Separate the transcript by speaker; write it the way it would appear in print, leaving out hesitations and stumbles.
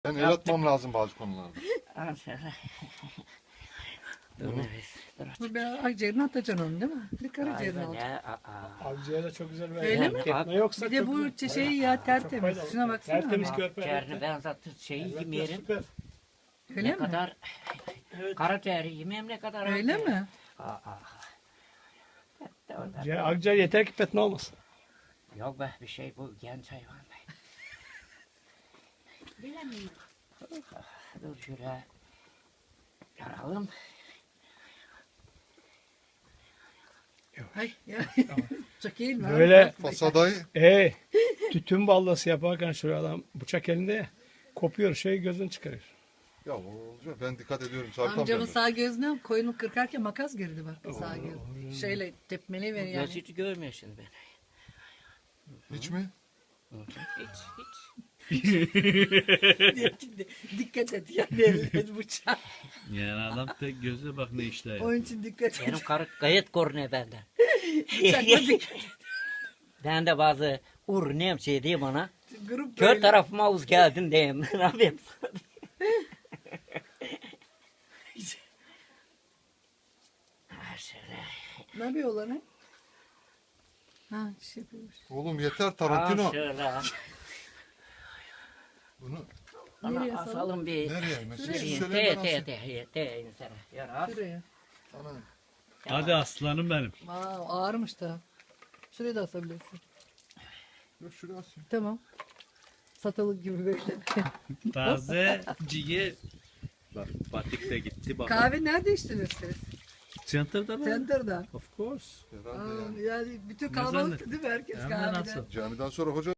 Speaker 1: Ben el atmam lazım bazı konularda. Bunu
Speaker 2: Bu bir akciğerini atacaksın onu değil mi? Bir karaciğerini alacaksın.
Speaker 3: Avcıya da çok güzel bir
Speaker 2: Öyle mi?
Speaker 3: etme yoksa
Speaker 2: Bir de
Speaker 3: çok
Speaker 2: bu
Speaker 3: güzel.
Speaker 2: şeyi ya tertemiz.
Speaker 3: faydalı.
Speaker 2: Şuna baksana.
Speaker 3: Tertemiz
Speaker 2: ama.
Speaker 3: körpe.
Speaker 4: Ciğerini ben zaten şeyi yemeyelim.
Speaker 3: Süper.
Speaker 2: Öyle
Speaker 4: Ne
Speaker 2: mi?
Speaker 4: kadar karaciğeri yemeyeyim ne kadar.
Speaker 2: Öyle
Speaker 4: akciğer.
Speaker 2: mi?
Speaker 3: Akciğer yeter ki petne olmasın.
Speaker 4: Yok be bir şey bu genç hayvan be. Bilemiyorum. Dur şöyle yaralım.
Speaker 2: Ay ya. Çok iyi mi?
Speaker 3: Böyle
Speaker 1: fasadayı
Speaker 3: tütün ballası yaparken şuraya adam bıçak elinde ya, kopuyor gözünü çıkarıyor.
Speaker 1: ya o olacak. Ben dikkat ediyorum. Sarkam
Speaker 2: Amcamın
Speaker 1: derler.
Speaker 2: sağ gözüne koyunu kırkarken makas girdi bak sağ göz. Şeyle tepmeli ver
Speaker 4: Göz
Speaker 2: yani.
Speaker 4: hiç görmüyor şimdi beni.
Speaker 1: Hiç mi?
Speaker 4: Hiç.
Speaker 2: Diyor ki, dikkat et yani elle bıçağı.
Speaker 5: Yani adam tek gözle bak ne işler.
Speaker 2: Onun için dikkat et.
Speaker 4: Benim karı gayet korunuyor benden.
Speaker 2: Bıçakla dikkat et.
Speaker 4: Ben de bazı neyim şey diyeyim ona.
Speaker 2: Grup
Speaker 4: Kör
Speaker 2: böyle.
Speaker 4: tarafıma uz geldin diyeyim. Ne yapayım? Ha, şöyle.
Speaker 2: Ne yapıyorlar ha? Ha şey yapıyormuş.
Speaker 1: Oğlum yeter
Speaker 4: Ha,
Speaker 1: Tarantino.
Speaker 4: şöyle.
Speaker 1: Bunu
Speaker 2: Nereye
Speaker 4: Ona
Speaker 2: asalım?
Speaker 4: asalım bir.
Speaker 1: nereye? Mesela
Speaker 4: Şuraya.
Speaker 1: şöyle nasıl?
Speaker 4: Te insana. Yara.
Speaker 2: Şuraya.
Speaker 1: Ana.
Speaker 5: Hadi aslanım benim.
Speaker 2: Aa, ağırmış da. Şuraya da asabilirsin.
Speaker 1: Yok şuraya asayım.
Speaker 2: Tamam. Satılık gibi böyle.
Speaker 5: Taze ciğer. Bak batik de gitti bak.
Speaker 2: Kahve nerede içtiniz siz?
Speaker 5: Center'da mı?
Speaker 2: Center'da.
Speaker 5: Of course.
Speaker 1: Herhalde
Speaker 2: Aa,
Speaker 1: yani.
Speaker 2: yani bütün
Speaker 5: Ne
Speaker 2: kalabalık
Speaker 5: zannet-
Speaker 2: değil mi? Herkes
Speaker 5: Hem de
Speaker 2: kahvede.
Speaker 5: nasıl?
Speaker 1: Camiden sonra hoca